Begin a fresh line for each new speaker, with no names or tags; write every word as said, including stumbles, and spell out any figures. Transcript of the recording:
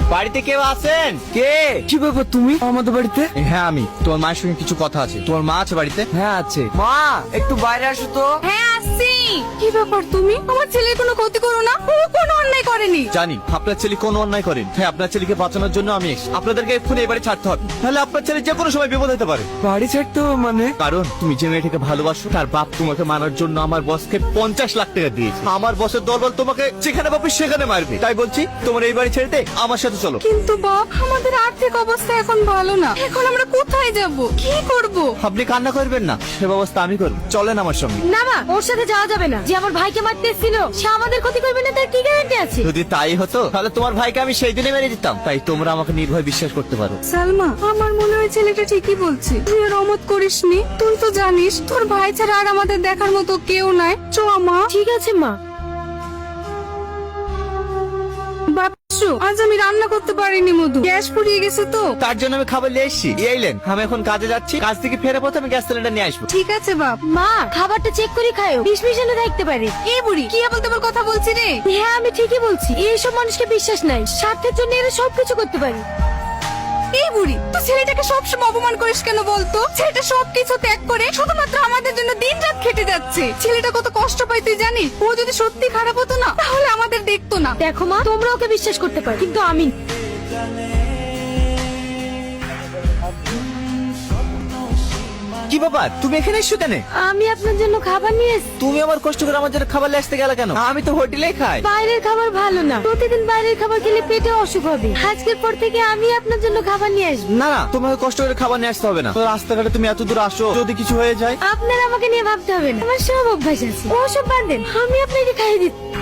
বাড়িতে কেউ আছেন?
কে? কি ব্যাপার তুমি আমাদের বাড়িতে?
হ্যাঁ আমি। তোমার মায়ের সঙ্গে কিছু কথা আছে। তোমার মা আছে বাড়িতে?
হ্যাঁ আছে। মা একটু বাইরে আসো তো।
হ্যাঁ আসছি। কি ব্যাপার তুমি? আমার ছেলের কোনো ক্ষতি করো না, ও কোনো অন্যায় করেনি।
জানি আপনার ছেলে কোনো অন্যায় করেন। হ্যাঁ আপনার ছেলেকে বাঁচানোর জন্য আমি এসেছি। আপনাদেরকে এক্ষুনি এবারে ছাড়তে হবে, তাহলে আপনার ছেলে যে কোনো সময় বিপদ হতে পারে।
বাড়ি ছাড়তে হবে মানে?
কারণ তুমি যে মেয়েটাকে ভালোবাসো তার বাপ তোমাকে মারার জন্য আমার বসকে পঞ্চাশ লাখ টাকা দিয়েছে। আমার বসের দলবল তোমাকে যেখানে পাবে সেখানে মারবে। তাই বলছি তোমার এই বাড়ি ছেড়ে দে, আমার সাথে চলো।
কিন্তু বাপ, আমাদের আর্থিক অবস্থা এখন ভালো না, এখন আমরা কোথায় যাব, কি করব?
আপনি কান্না করবেন না, সে ব্যবস্থা আমি করব। চলেন আমার সঙ্গে।
না মা, ওর সাথে যাওয়া যাবে না। যে আমার ভাইকে মারতে এসেছিল সে আমাদের ক্ষতি করবে না, তার কি গ্যারান্টি আছে?
যদি তাই হতো তাহলে তোমার ভাইকে আমি সেই দিনে মেরে দিতাম। তাই তোমরা আমাকে নির্ভয় বিশ্বাস করতে পারো।
সালমা, আমার মনে হয় ছেলেটা ঠিকই বলছে। তুই আর অমত করিসনি। তুই তো জানিস তোর ভাই ছাড়া আর আমাদের দেখার মতো কেউ নাই। চ মা।
ঠিক আছে মা।
বাপসু, আজ আমি রান্না করতে পারিনি মধু, গ্যাস ফুরিয়ে গেছে তো।
তার জন্য আমি খাবার নিয়ে এসেছি। এই এলেন, আমি এখন কাজে যাচ্ছি। কাজ থেকে ফেরে পথে আমি গ্যাস সিলিন্ডার নিয়ে আসবো।
ঠিক আছে বাপ।
মা, খাবারটা চেক করে খায়ো, বিষ মিশানো থাকতে পারে।
এই বুড়ি কি বলতে তোর কথা বলছি রে?
হ্যাঁ আমি ঠিকই বলছি। এইসব মানুষকে বিশ্বাস নাই, স্বার্থের জন্য এরা সবকিছু করতে পারে।
এই বুড়ি, তুই ছেলেটাকে সবসময় অপমান করিস কেন বলতো? ছেলেটা সবকিছু ত্যাগ করে শুধুমাত্র আমাদের জন্য দিন রাত খেটে যাচ্ছে। ছেলেটা কত কষ্ট পায় তুই জানিস? ও যদি সত্যি খারাপ হতো না তাহলে আমাদের দেখতো না।
দেখো মা, তোমরা ওকে বিশ্বাস করতে পারো, কিন্তু আমি
কি ব্যাপার, তুমি এখানে এসছো কেন?
আমি আপনার জন্য খাবার নিয়ে এসেছি।
তুমি আমার কষ্ট করে আমার জন্য খাবার নিয়ে আসতে গেলে কেন? আমি তো হোটেলেই খাই।
বাইরের খাবার ভালো না, প্রতিদিন বাইরের খাবার খেলে পেটে অসুখ হবে। আজকের পর থেকে আমি আপনার জন্য খাবার নিয়ে আসবো।
না না, তোমাকে কষ্ট করে খাবার নিয়ে আসতে হবে না। তো রাস্তাঘাটে তুমি এত দূর আসো, যদি কিছু হয়ে যায়।
আপনার আমাকে নিয়ে ভাবতে হবে না, আমার সব অভ্যাস আছে। ওসব বাদ দেন, আমি আপনাকে খাইয়ে দিচ্ছি।